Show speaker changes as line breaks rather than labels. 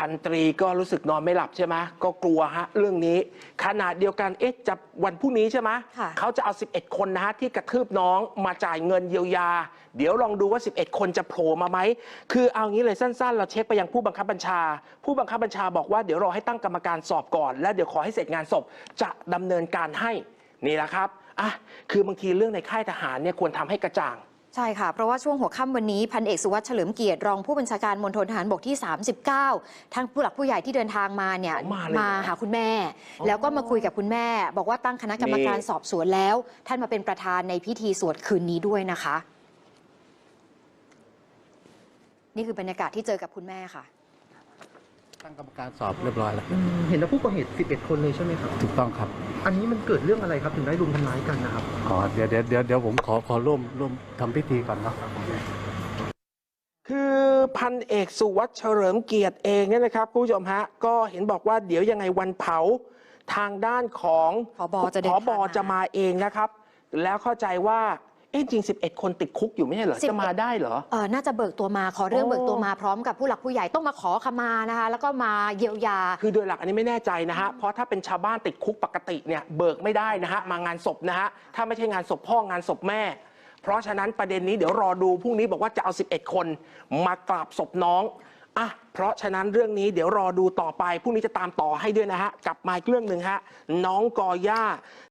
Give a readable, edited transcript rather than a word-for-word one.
พันตรีก็รู้สึกนอนไม่หลับใช่ไหมก็กลัวฮะเรื่องนี้ขณะเดียวกันจะวันพรุ่งนี้ใช่ไหมเขาจะเอา11คนนะฮะที่กระทืบน้องมาจ่ายเงินเยียวยาเดี๋ยวลองดูว่า11คนจะโผล่มาไหมคือเอางี้เลยสั้นๆเราเช็คไปยังผู้บังคับบัญชาผู้บังคับบัญชาบอกว่าเดี๋ยวรอให้ตั้งกรรมการสอบก่อนและเดี๋ยวขอให้เสร็จงานศพจะดำเนินการให้นี่แหละครับคือบางทีเรื่องในค่ายทหารเนี่ยควรทำให้กระจ่าง
ใช่ค่ะเพราะว่าช่วงหัวค่ำวันนี้พันเอกสุวัสดิ์เฉลิมเกียรติรองผู้บัญชาการมณฑลทหารบกที่39ทั้งผู้หลักผู้ใหญ่ที่เดินทางมาเนี่ยมาหาคุณแม่แล้วก็มาคุยกับคุณแม่บอกว่าตั้งคณะกรรมการสอบสวนแล้วท่านมาเป็นประธานในพิธีสวดคืนนี้ด้วยนะคะนี่คือบรรยากาศที่เจอกับคุณแม่ค่ะ
ตั้งกรรมการสอบเรียบร้อยแล้ว
เห็นแล้วผู้ก่อเหตุ11คนเลยใช่ไหมครับ
ถูกต้องครับ
อันนี้มันเกิดเรื่องอะไรครับถึงได้รุมทำร้ายกันนะครับ
เดี๋ยวผมขอร่วมทำพิธีก่อนเนาะ
คือพันเอกสุวัสดิ์เฉลิมเกียรติเองเนี่ยนะครับผู้ชมฮะก็เห็นบอกว่าเดี๋ยวยังไงวันเผาทางด้านของ
ผบ.
จะมาเองนะครับแล้วเข้าใจว่าจริง11คนติดคุกอยู่ไม่ใช่เหรอจะมาได้เหรอ
น่าจะเบิกตัวมาขอเรื่องเบิกตัวมาพร้อมกับผู้หลักผู้ใหญ่ต้องมาขอขมานะคะแล้วก็มาเยียวยา
คือโดยหลักอันนี้ไม่แน่ใจนะฮะเพราะถ้าเป็นชาวบ้านติดคุกปกติเนี่ยเบิกไม่ได้นะฮะมางานศพนะฮะถ้าไม่ใช่งานศพพ่องานศพแม่เพราะฉะนั้นประเด็นนี้เดี๋ยวรอดูพรุ่งนี้บอกว่าจะเอา11คนมากราบศพน้องเพราะฉะนั้นเรื่องนี้เดี๋ยวรอดูต่อไปพรุ่งนี้จะตามต่อให้ด้วยนะฮะกลับมาอีกเรื่องหนึ่งฮะน้องกอย่า